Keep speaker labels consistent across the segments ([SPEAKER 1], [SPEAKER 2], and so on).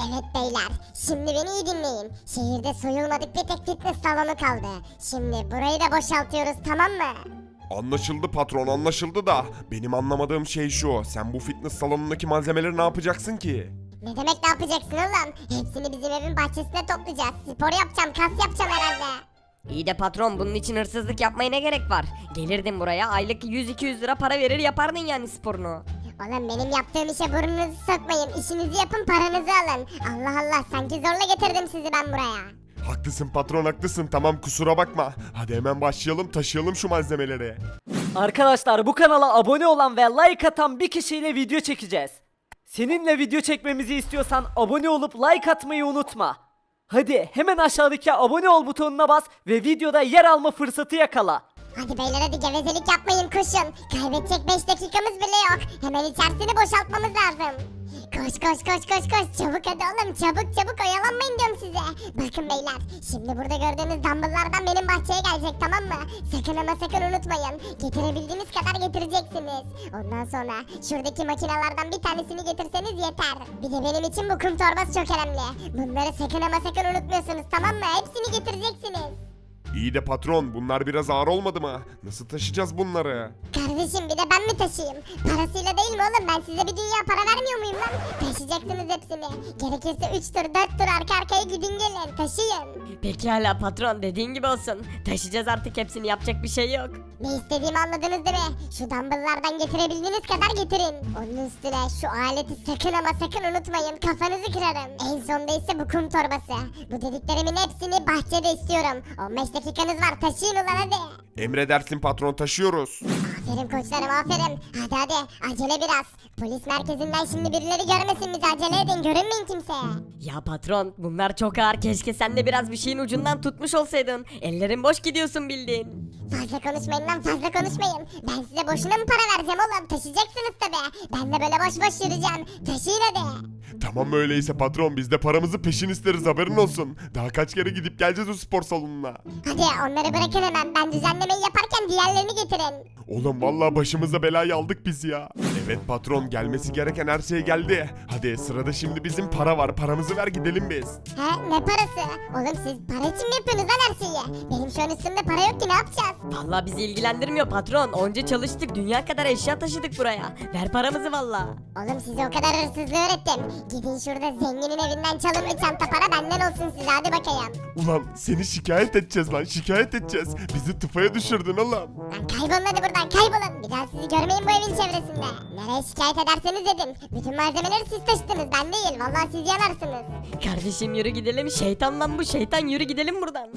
[SPEAKER 1] Evet beyler, şimdi beni iyi dinleyin. Şehirde soyulmadık bir tek fitness salonu kaldı. Şimdi burayı da boşaltıyoruz, tamam mı?
[SPEAKER 2] Anlaşıldı patron, anlaşıldı da benim anlamadığım şey şu. Sen bu fitness salonundaki malzemeleri ne yapacaksın ki?
[SPEAKER 1] Ne demek ne yapacaksın oğlum? Hepsini bizim evin bahçesine toplayacağız. Spor yapacağım, kas yapacağım herhalde.
[SPEAKER 3] İyi de patron, bunun için hırsızlık yapmaya ne gerek var? Gelirdin buraya, aylık 100-200 lira para verir yapardın yani sporunu.
[SPEAKER 1] Oğlum benim yaptığım işe burnunuzu sokmayın. İşinizi yapın, paranızı alın. Allah Allah, sanki zorla getirdim sizi ben buraya.
[SPEAKER 2] Haklısın patron, haklısın. Tamam, kusura bakma. Hadi hemen başlayalım, taşıyalım şu malzemeleri.
[SPEAKER 4] Arkadaşlar, bu kanala abone olan ve like atan bir kişiyle video çekeceğiz. Seninle video çekmemizi istiyorsan abone olup like atmayı unutma. Hadi hemen aşağıdaki abone ol butonuna bas ve videoda yer alma fırsatı yakala.
[SPEAKER 1] Hadi beyler, hadi gevezelik yapmayın, koşun. Kaybedecek 5 dakikamız bile yok. Hemen içerisini boşaltmamız lazım. Koş koş koş koş koş, çabuk hadi oğlum, çabuk çabuk, oyalanmayın diyorum size. Bakın beyler, şimdi burada gördüğünüz dumbbelllardan benim bahçeye gelecek, tamam mı? Sakın ama sakın unutmayın. Getirebildiğiniz kadar getireceksiniz. Ondan sonra şuradaki makinelerden bir tanesini getirseniz yeter. Bir de benim için bu kum torbası çok önemli. Bunları sakın ama sakın unutmuyorsunuz, tamam mı? Hepsini getireceksiniz.
[SPEAKER 2] İyi de patron, bunlar biraz ağır olmadı mı? Nasıl taşıyacağız bunları?
[SPEAKER 1] Kardeşim, bir de ben mi taşıyayım? Parasıyla değil mi oğlum? Ben size bir dünya para vermiyor muyum lan? Taşıyacaksınız hepsini. Gerekirse 3 tur 4 tur arka arkaya gidin gelin, taşıyın.
[SPEAKER 3] Peki hala patron, dediğin gibi olsun. Taşıyacağız artık hepsini, yapacak bir şey yok.
[SPEAKER 1] Ne istediğimi anladınız değil mi? Şu dumbbelllardan getirebildiğiniz kadar getirin. Onun üstüne şu aleti sakın ama sakın unutmayın. Kafanızı kırarım. En sonda ise bu kum torbası. Bu dediklerimin hepsini bahçede istiyorum. 15 dakikanız var, taşıyın ulan hadi.
[SPEAKER 2] Emredersin patron, taşıyoruz.
[SPEAKER 1] Aferin koçlarım, aferin. Hadi hadi, acele biraz. Polis merkezinden şimdi birileri görmesin bizi, acele edin, görünmeyin kimseye.
[SPEAKER 3] Ya patron, bunlar çok ağır, keşke sen de biraz bir şeyin ucundan tutmuş olsaydın. Ellerin boş gidiyorsun bildiğin.
[SPEAKER 1] Fazla konuşmayın lan, fazla konuşmayın. Ben size boşuna mı para vereceğim oğlum? Taşıyacaksınız tabi. Ben de böyle boş boş yürüyeceğim. Taşıyın hadi.
[SPEAKER 2] Tamam, öyleyse patron, biz de paramızı peşin isteriz, haberin olsun. Daha kaç kere gidip geleceğiz o spor salonuna.
[SPEAKER 1] Hadi onları bırakın hemen. Ben düzenlemeyi yaparken diğerlerini getirin.
[SPEAKER 2] Oğlum vallahi başımıza belayı aldık biz ya. Evet patron, gelmesi gereken her şey geldi. Hadi sırada şimdi bizim para var, paramızı ver gidelim biz.
[SPEAKER 1] He, ne parası? Oğlum siz para için mi yapıyorsunuz lan her şeyi? Benim şu an üstümde para yok ki, ne yapacağız?
[SPEAKER 3] Vallahi bizi ilgilendirmiyor patron. Onca çalıştık, dünya kadar eşya taşıdık buraya. Ver paramızı vallahi.
[SPEAKER 1] Oğlum size o kadar hırsızlığı öğrettim. Gidin şurada zenginin evinden çalın bir çanta para, benden olsun size, hadi bakayım.
[SPEAKER 2] Ulan seni şikayet edeceğiz lan, şikayet edeceğiz. Bizi tıfaya düşürdün oğlum.
[SPEAKER 1] Lan kaybolun hadi buradan, kaybolun. Bir daha sizi görmeyin bu evin çevresinde. Nereye şikayet ederseniz edin. Bütün malzemeleri siz taşıdınız, ben değil. Vallahi siz yanarsınız.
[SPEAKER 3] Kardeşim yürü gidelim, şeytan lan bu şeytan, yürü gidelim buradan.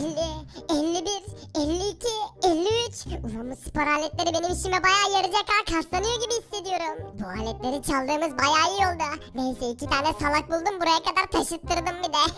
[SPEAKER 1] 50, 51, 52, 53. Ulan bu spor aletleri benim işime bayağı yarayacak ha. Kaslanıyor gibi hissediyorum. Bu aletleri çaldığımız bayağı iyi oldu. Neyse, 2 tane salak buldum, buraya kadar taşıttırdım bir de.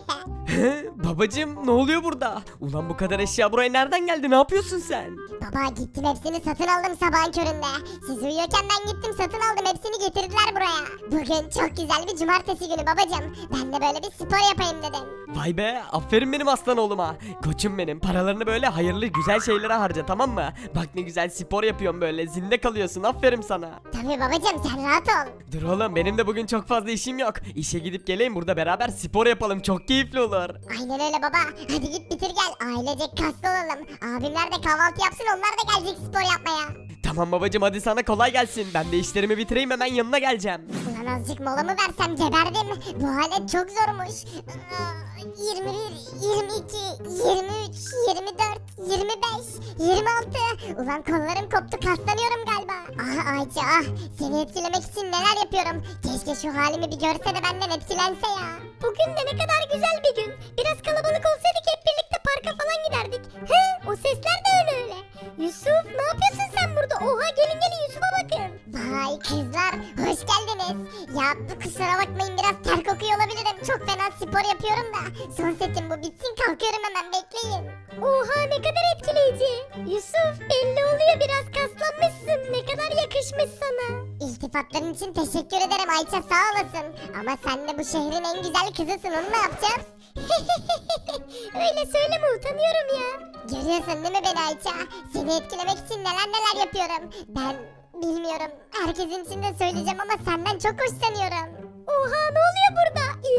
[SPEAKER 4] Babacım, ne oluyor burada? Ulan bu kadar eşya buraya nereden geldi? Ne yapıyorsun sen?
[SPEAKER 1] Baba, gittim hepsini satın aldım sabahın köründe. Siz uyuyorken ben gittim satın aldım, hepsini getirdiler buraya. Bugün çok güzel bir cumartesi günü babacım. Ben de böyle bir spor yapayım dedim.
[SPEAKER 4] Vay be, aferin benim aslan oğluma. Koçum benim, paralarını böyle hayırlı güzel şeylere harca, tamam mı? Bak ne güzel spor yapıyorsun, böyle zinde kalıyorsun, aferin sana.
[SPEAKER 1] Tabii babacım, sen rahat ol.
[SPEAKER 4] Dur oğlum, benim de bugün çok fazla işim yok. İşe gidip geleyim, burada beraber spor yapalım, çok keyifli olur.
[SPEAKER 1] Aynen öyle baba. Hadi git bitir gel. Ailecek kaslı olalım. Abimler de kahvaltı yapsın, onlar da gelecek spor yapmaya.
[SPEAKER 4] Tamam babacım, hadi sana kolay gelsin. Ben de işlerimi bitireyim, hemen yanına geleceğim.
[SPEAKER 1] Ulan azıcık mola mı versem, geberdim. Bu alet çok zormuş. 21, 22, 23, 24, 25, 26. Ulan kollarım koptu, kaslanıyorum galiba. Ah Ayça ah. Seni etkilemek için neler yapıyorum. Keşke şu halimi bir görse de benden etkilense ya. Bugün de ne kadar güzel bir gün. Biraz kalabalık olsaydık hep birlikte parka falan giderdik. He, o sesler de öyle. Yusuf, ne yapıyorsun sen burada? Oha, gelin gelin Yusuf'a bakın. Vay kızlar, hoş geldiniz. Ya kusura bakmayın, biraz ter kokuyor olabilirim. Çok fena spor yapıyorum da. Son setim bu, bitsin kalkıyorum hemen, bekleyin. Oha, ne kadar etkileyici. Yusuf, belli oluyor, biraz kaslanmışsın. Ne kadar yakışmış sana. İltifatların için teşekkür ederim Ayça, sağ olasın. Ama sen de bu şehrin en güzel kızısın, onu ne yapacağız? Öyle söyleme, utanıyorum ya. Görüyorsun değil mi beni Ayça? Seni etkilemek için neler neler yapıyorum. Ben bilmiyorum. Herkesin içinde söyleyeceğim ama senden çok hoşlanıyorum. Oha, ne oluyor burada?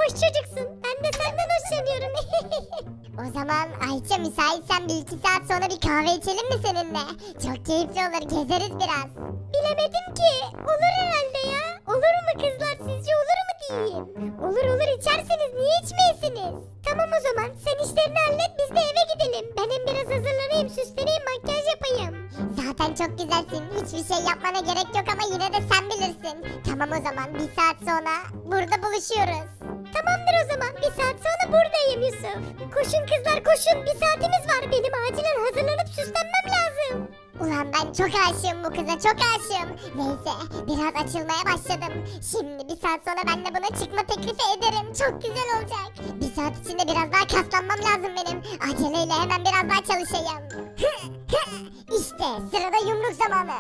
[SPEAKER 1] hoş çocuksun. Ben de senden hoşlanıyorum. O zaman Ayça müsaitsen bir iki saat sonra bir kahve içelim mi seninle? Çok keyifli olur, gezeriz biraz. Bilemedim ki. Olur herhalde ya. Olur mu kızlar, sizce olur mu diyeyim? Olur olur, içerseniz niye içmeyesiniz? Tamam o zaman sen işlerini hallet, biz de eve gidelim. Ben hem biraz hazırlanayım, süsleneyim, makyaj yapayım. Zaten çok güzelsin. Hiçbir şey yapmana gerek yok ama yine de sen bilirsin. Tamam o zaman bir saat sonra burada buluşuyoruz. Tamamdır o zaman. Bir saat sonra buradayım Yusuf. Koşun kızlar koşun. Bir saatimiz var. Benim acilen hazırlanıp süslenmem lazım. Ulan ben çok aşığım bu kıza, çok aşığım. Neyse biraz açılmaya başladım. Şimdi bir saat sonra ben de buna çıkma teklifi ederim. Çok güzel olacak. Bir saat içinde biraz daha kaslanmam lazım benim. Aceleyle hemen biraz daha çalışayım. İşte sırada yumruk zamanı.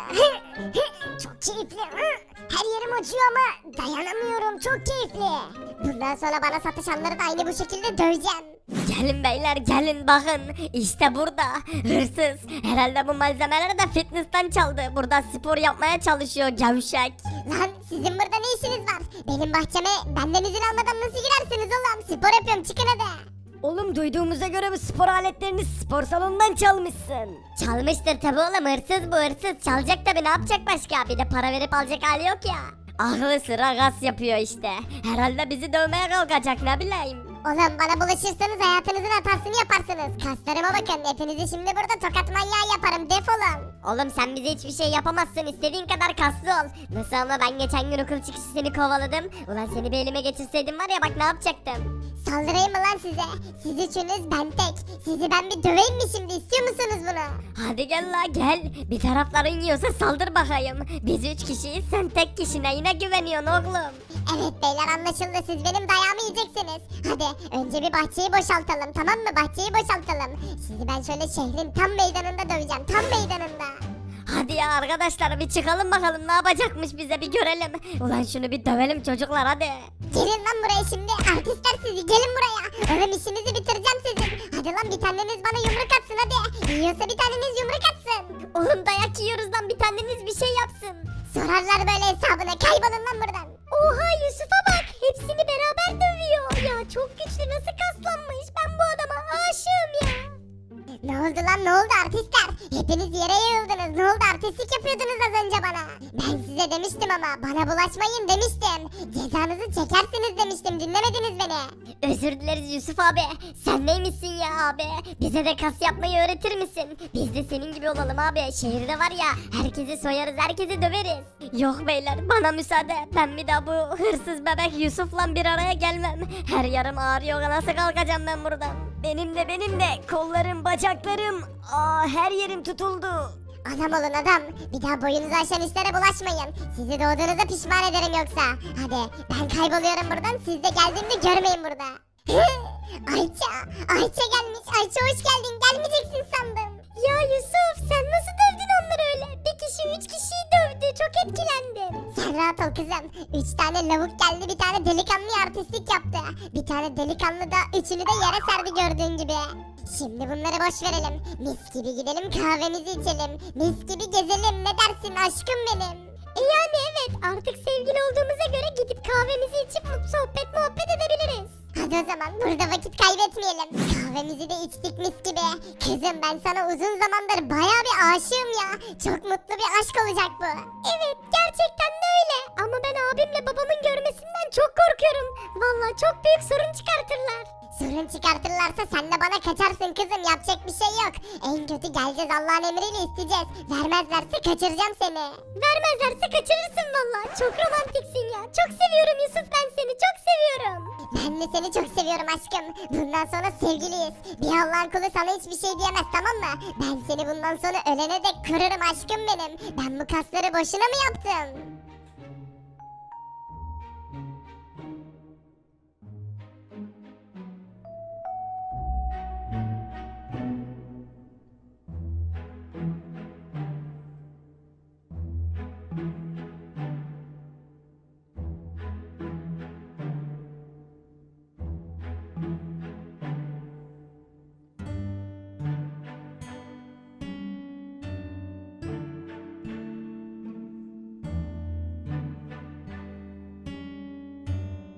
[SPEAKER 1] Çok keyifli. Her yerim acıyor ama dayanamıyorum. Çok keyifli. Bundan sonra bana satışanları da aynı bu şekilde döveceğim.
[SPEAKER 5] Gelin beyler gelin bakın işte burada hırsız herhalde bu malzemeleri de fitness'tan çaldı burada spor yapmaya çalışıyor gevşek.
[SPEAKER 1] Lan sizin burada ne işiniz var? Benim bahçeme benden izin almadan nasıl girersiniz oğlum? Spor yapıyorum, çıkın hadi.
[SPEAKER 5] Oğlum duyduğumuza göre bu spor aletlerini spor salonundan çalmışsın. Çalmıştır tabi oğlum hırsız bu hırsız çalacak tabi ne yapacak başka bir de para verip alacak hali yok ya. Aklı sıra gaz yapıyor işte herhalde bizi dövmeye kalkacak ne bileyim.
[SPEAKER 1] Oğlum bana bulaşırsanız hayatınızın hatasını yaparsınız. Kaslarıma bakın, hepinizi şimdi burada tokat manyağı yaparım, defolun.
[SPEAKER 5] Oğlum sen bize hiçbir şey yapamazsın istediğin kadar kaslı ol. Nasıl ama ben geçen gün okul çıkışı seni kovaladım. Ulan seni bir elime geçirseydim var ya bak ne yapacaktım.
[SPEAKER 1] Saldırayım mı lan size? Siz üçünüz, ben tek. Sizi ben bir döveyim mi şimdi, istiyor musunuz bunu?
[SPEAKER 5] Hadi gel la gel. Bir tarafların yiyorsa saldır bakayım. Biz 3 kişiyiz sen tek kişine yine güveniyorsun oğlum.
[SPEAKER 1] Evet beyler anlaşıldı, siz benim dayağımı yiyeceksiniz. Hadi önce bir bahçeyi boşaltalım, tamam mı? Bahçeyi boşaltalım. Sizi ben şöyle şehrin tam meydanında döveceğim, tam meydanında.
[SPEAKER 5] Hadi ya arkadaşlar bir çıkalım bakalım ne yapacakmış bize bir görelim. Ulan şunu bir dövelim çocuklar hadi.
[SPEAKER 1] Gelin lan buraya şimdi, artistler sizi, gelin buraya. Oğlum işinizi bitireceğim sizin. Hadi lan bir taneniz bana yumruk atsın hadi. Yiyorsa bir taneniz yumruk atsın.
[SPEAKER 5] Oğlum dayak yiyoruz lan bir taneniz bir şey yapsın.
[SPEAKER 1] Sorarlar böyle hesabına, kaybolun lan buradan. Oha Yusuf'a bak, hepsini beraber dövüyor. Ya çok güçlü, nasıl kaslanmış, ben bu adama aşığım ya. Ne oldu lan, ne oldu artistler? Hepiniz yere yığıldınız, ne oldu, artistlik yapıyordunuz az önce bana. Ben size demiştim ama, bana bulaşmayın demiştim. Cezanızı çekersiniz demiştim, dinlemediniz beni.
[SPEAKER 5] Özür dileriz Yusuf abi. Sen neymişsin ya abi? Bize de kas yapmayı öğretir misin? Biz de senin gibi olalım abi. Şehirde var ya herkesi soyarız herkesi döveriz. Yok beyler bana müsaade. Ben bir daha bu hırsız bebek Yusuf'la bir araya gelmem. Her yarım ağrıyor nasıl kalkacağım ben buradan? Benim de kollarım bacaklarım. Her yerim tutuldu.
[SPEAKER 1] Adam olun adam, bir daha boyunuzu aşan işlere bulaşmayın. Sizi doğduğunuza pişman ederim yoksa. Hadi ben kayboluyorum buradan, siz de geldiğimde görmeyin burada. Ayça gelmiş. Ayça hoş geldin, gelmeyeceksin sandım. Ya Yusuf sen nasıl dövdün onları öyle? Bir kişi 3 kişiyi dövdü, çok etkilendim. Sen rahat ol kızım. 3 tane lavuk geldi, bir tane delikanlı artistlik yaptı. Bir tane delikanlı da üçünü de yere serdi gördüğün gibi. Şimdi bunları boş verelim. Mis gibi gidelim kahvemizi içelim. Mis gibi gezelim, ne dersin aşkım benim? Yani evet, artık sevgili olduğumuza göre gidip kahvemizi içip sohbet muhabbet edebiliriz. Hadi o zaman burada vakit kaybetmeyelim. Kahvemizi de içtik mis gibi. Kızım ben sana uzun zamandır bayağı bir aşığım ya. Çok mutlu bir aşk olacak bu. Evet gerçekten de öyle. Ama ben abimle babamın görmesinden çok korkuyorum. Vallahi çok büyük sorun çıkartırlar. Sorun çıkartırlarsa sen de bana kaçarsın kızım, yapacak bir şey yok. En kötü geleceğiz Allah'ın emriyle isteyeceğiz. Vermezlerse kaçıracağım seni. Vermezlerse kaçırırsın vallahi. Çok romantiksin ya. Çok seviyorum Yusuf, ben seni çok seviyorum. Ben de seni çok seviyorum aşkım. Bundan sonra sevgiliyiz. Bir Allah'ın kulu sana hiçbir şey diyemez, tamam mı? Ben seni bundan sonra ölene dek kırarım aşkım benim. Ben bu kasları boşuna mı yaptım?